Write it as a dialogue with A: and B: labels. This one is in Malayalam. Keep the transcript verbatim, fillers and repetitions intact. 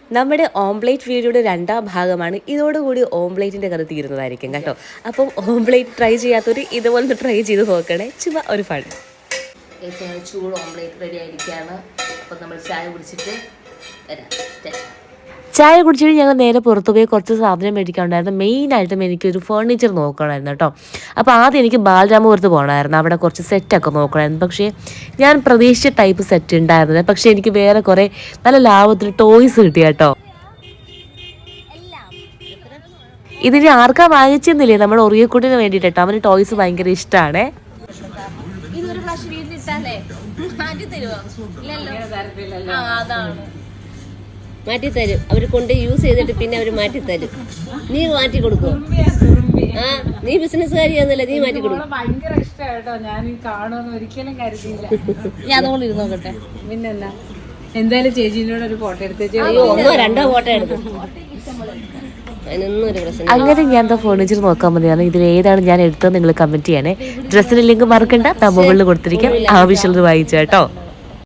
A: നമ്മുടെ ഓംപ്ലേറ്റ് വീഡിയോയുടെ രണ്ടാം ഭാഗമാണ്. ഇതോടുകൂടി ഓംപ്ലേറ്റിൻ്റെ കഥ തീരുന്നതായിരിക്കും കേട്ടോ. അപ്പം ഓംപ്ലേറ്റ് ട്രൈ ചെയ്യാത്തവർ ഇതുപോലെ ട്രൈ ചെയ്ത് നോക്കണേ, ചുമ്മാ ഒരു ഫൺ. ചൂട് ഓംപ്ലേറ്റ് റെഡി ആയിരിക്കുകയാണ്. അപ്പം നമ്മൾ ചായ കുടിച്ചിട്ട് വരാം. ചായ കുടിച്ചിട്ട് ഞങ്ങൾ നേരെ പുറത്തു പോയി കുറച്ച് സാധനം മേടിക്കാനുണ്ടായിരുന്നു. മെയിനായിട്ടും എനിക്കൊരു ഫേർണിച്ചർ നോക്കണമായിരുന്നു കേട്ടോ. അപ്പോൾ ആദ്യം എനിക്ക് ബാലരാമപുരത്ത് പോകണമായിരുന്നു, അവിടെ കുറച്ച് സെറ്റൊക്കെ നോക്കണമായിരുന്നു. പക്ഷേ ഞാൻ പ്രതീക്ഷിച്ച ടൈപ്പ് സെറ്റ് ഉണ്ടായിരുന്നത്, പക്ഷേ എനിക്ക് വേറെ കുറേ നല്ല ലാഭത്തിൽ ടോയ്സ് കിട്ടി കേട്ടോ. ഇതിന് ആർക്കാ വാങ്ങിച്ചെന്നില്ലേ, നമ്മുടെ ഒറിയക്കുട്ടിന് വേണ്ടിയിട്ട് കേട്ടോ. അവന് ടോയ്സ് ഭയങ്കര ഇഷ്ടമാണ്.
B: മാറ്റിത്തരും അവർ കൊണ്ട് യൂസ് ചെയ്തിട്ട് പിന്നെ അവർ മാറ്റിത്തരും. നീ മാറ്റി കൊടുക്കും. ആ നീ ബിസിനസ്സുകാരിയാന്നല്ലേ, നീ മാറ്റി കൊടുക്കും.
C: ഭയങ്കര ഇഷ്ടമായിട്ടോ, ഞാൻ കാണുമെന്ന് ഒരിക്കലും കരുതിയില്ല.
B: ഞാൻ അതുകൊണ്ട് ഇരുന്ന് നോക്കട്ടെ.
C: പിന്നെന്നാ എന്തായാലും ചേച്ചീനോട് ഒരു ഫോട്ടോ എടുത്ത്
B: ഒന്നോ രണ്ടോ ഫോട്ടോ എടുക്കും. അതിനൊന്നും ഒരു പ്രശ്നം.
A: അങ്ങനെ ഞാൻ എന്താ ഫേർണിച്ചർ നോക്കാൻ മതിയാണ്. ഇതിൽ ഏതാണ് ഞാൻ എടുത്തത് നിങ്ങൾ കമന്റ് ചെയ്യണേ. ഡ്രസ്സിന് ലിങ്ക് മറക്കണ്ട, മുകളിൽ കൊടുത്തിരിക്കാം. ആവശ്യമുള്ളത് വായിച്ചു കേട്ടോ.